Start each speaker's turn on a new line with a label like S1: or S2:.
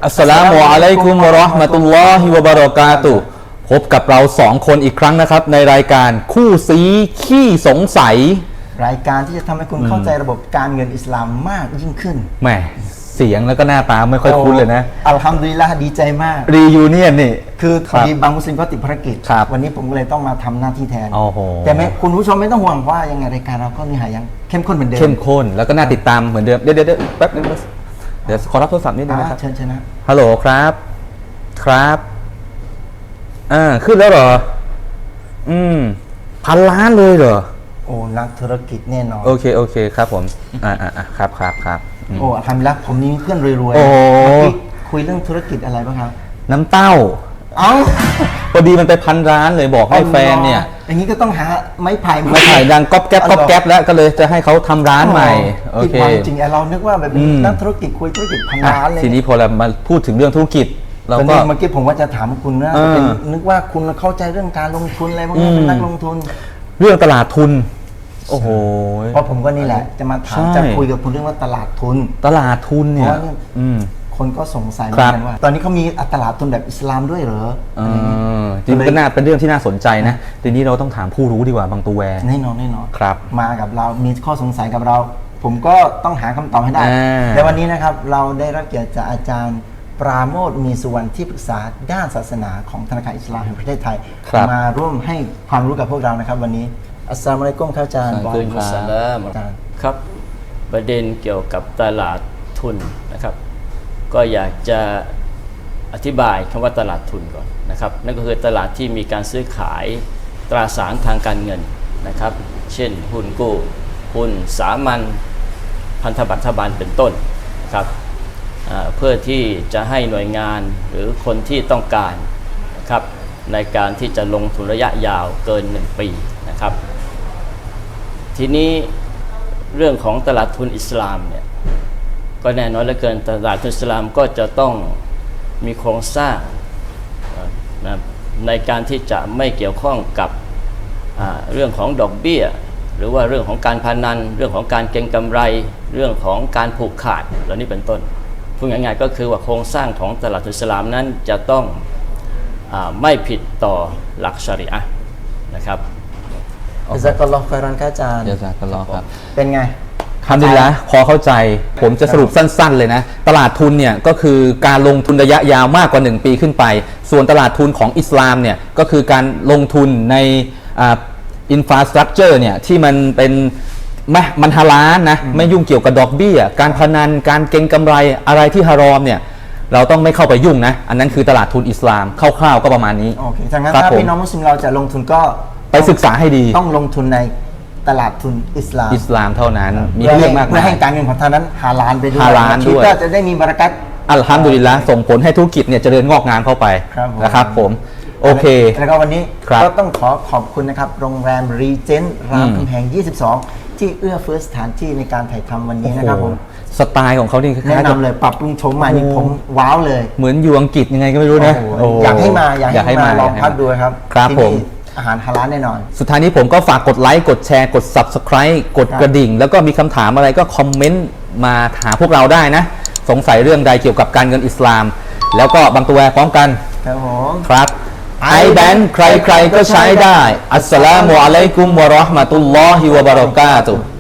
S1: อัสสลามุอะลัยกุมวะเราะห์มะตุลลอฮิวะบะเราะกาตุฮ์พบกับเรา2 คนอีกครั้งนะครับในรายการคู่ซีขี้สงสัย
S2: รายการที่จะทำให้คุณเข้าใจระบบการเงินอิสลามมากยิ่งขึ้น
S1: แหมเสียงแล้วก็หน้าตาไม่ค่อยคุ้นเลยนะ
S2: อัลฮัมดุลิลละห์ดีใจมาก
S1: รียูเนียนนี่
S2: คือพอดีบางมุสลิมก็ติดภารกิจวันนี้ผมก็เลยต้องมาทำหน้าที่แทนแต่คุณผู้ชมไม่ต้องห่วงว่ายังไงรายการเราก็เนื้อหายังเข้มข้นเหมือนเดิม
S1: เข้มข้นแล้วก็น่าติดตามเหมือนเดิมเดี๋ยวแป๊บนึงเดี๋ยวขอรับโทรศัพท์นิดนึงนะครับ
S2: เชิญนะ
S1: ฮัลโหลครับขึ้นแล้วเหรอ1,000 ล้านเลยเหรอ
S2: โอ้นักธุรกิจแน่นอน
S1: โอเคครับผมครับ
S2: โอ้ทำแล้วผมนี่เพื่อนรวย
S1: ๆโอ้
S2: คุยเรื่องธุรกิจอะไรบ้างครับ
S1: น้ำเต้าพอดีมันไป1,000 ล้านเลยบอกให้แฟนเนี่ย
S2: อย่างนี้ก็ต้องหาไม้ไผ่
S1: ดังก๊อบแก๊บแล้วก็เลยจะให้เขาทำร้านใหม่โอเค
S2: จริงเรานึกว่าแบบนักธุรกิจคุยธุรกิจ1,000 ล้านเลย
S1: ทีนี้พอเรามาพูดถึงเรื่องธุรกิจเราก็
S2: เมื่อกี้ผมว่าจะถามคุณนะนึกว่าคุณเข้าใจเรื่องการลงทุนอะไรพวกนี้เป็นนักลงทุน
S1: เรื่องตลาดทุนโอ้โห
S2: เพราะผมก็นี่แหละจะมาถามจะคุยกับคุณเรื่องว่าตลาดทุน
S1: เนี่ย
S2: คนก็สงสัยเหมือนกันว่าตอนนี้เขามีตลาดทุนแบบอิสลามด้วยเหรอ
S1: จริงก็น่าเป็นเรื่องที่น่าสนใจนะทีนี้เราต้องถามผู้รู้ดีกว่าบางตัวแวร์
S2: แน่นอน
S1: ครับ
S2: มากับเรามีข้อสงสัยกับเราผมก็ต้องหาคำตอบให้ได้ในวันนี้นะครับเราได้รับเกียรติจากอาจารย์ปราโมทย์มีสุวรรณที่ปรึกษาด้านศาสนาของธนาคารอิสลามแห่งประเทศไทยมาร่วมให้ความรู้กับพวกเรานะครับวันนี้อัสสลามุอะลัยกุมครับอาจารย์
S3: บอยมุสลามครับประเด็นเกี่ยวกับตลาดทุนนะครับก็อยากจะอธิบายคำว่าตลาดทุนก่อนนะครับนั่นก็คือตลาดที่มีการซื้อขายตราสารทางการเงินนะครับเช่นหุ้นกู้หุ้นสามัญพันธบัตรรัฐบาลเป็นต้นนะครับเพื่อที่จะให้หน่วยงานหรือคนที่ต้องการนะครับในการที่จะลงทุนระยะยาวเกิน1 ปีนะครับทีนี้เรื่องของตลาดทุนอิสลามเนี่ยก็แน่นอนเหลือเกินตลาดทุนอิสลามก็จะต้องมีโครงสร้างนะในการที่จะไม่เกี่ยวข้องกับเรื่องของดอกเบี้ยหรือว่าเรื่องของการพนันเรื่องของการเก็งกำไรเรื่องของการผูกขาดเหล่านี้เป็นต้นพูดง่ายๆก็คือว่าโครงสร้างของตลาดทุนอิสลามนั้นจะต้องไม่ผิดต่อหลักชะรีอะห์นะครับ
S2: อิซากัลลอฮ์คอยรอนอาจารย์
S1: อิซากัลลอฮ์ครับ
S2: เป็นไง
S1: ทำดีแล้วพอเข้าใจผมจะสรุปสั้นๆเลยนะตลาดทุนเนี่ยก็คือการลงทุนระยะยาวมากกว่า1 ปีขึ้นไปส่วนตลาดทุนของอิสลามเนี่ยก็คือการลงทุนในอินฟราสตรัคเจอร์เนี่ยที่มันเป็นมันฮาลาลนะไม่ยุ่งเกี่ยวกับดอกเบี้ยการพนันการเก็งกำไรอะไรที่ฮารอมเนี่ยเราต้องไม่เข้าไปยุ่งนะอันนั้นคือตลาดทุนอิสลามคร่าวๆก็ประมาณนี้
S2: โอเคถ้างั้นถ้าพี่น้องมุสลิมเราจะลงทุนก็
S1: ไปศึกษาให้ดี
S2: ต้องลงทุนในตลาดทุนอิสลาม
S1: เท่านั้นมีเรื่องมากมาย
S2: เพื่อให้การเงินของท่านนั้นฮาลาลไปด้วย
S1: ชีวิต
S2: จะได้มีบารักัต
S1: อัลฮัมดุลิลละห์ส่งผลให้ธุรกิจเนี่ยเจริญงอกงามเข้าไปนะครับผมโอเค
S2: แล้วก็วันนี้ก็ต้องขอบคุณนะครับโรงแรมรีเจนต์รามคำแหง22ที่เอื้อเฟื้อสถานที่ในการถ่ายทำวันนี้นะครับผม
S1: สไตล์ของเขานี่
S2: แนะนำเลยปรับปรุงโฉมใหม่นี่ผมว้าวเลย
S1: เหมือนอยู่อังกฤษยังไงก็ไม่รู้นะ
S2: อยากให้มาลองพักดูครับ
S1: ครับผม
S2: อาหารฮาลาลแน่นอน
S1: สุดท้ายนี้ผมก็ฝากกดไลค์กดแชร์กด Subscribe กดกระดิ่งแล้วก็มีคำถามอะไรก็คอมเมนต์มาหาพวกเราได้นะสงสัยเรื่องใดเกี่ยวกับการเงินอิสลามแล้วก็บางตัวพร้อมกัน
S2: ครับผม
S1: ครับiBank ใครๆก็ใช้ได้อัสสลามุอะลัยกุมวะเราะห์มะตุลลอฮิวะบะเราะกาตุฮ์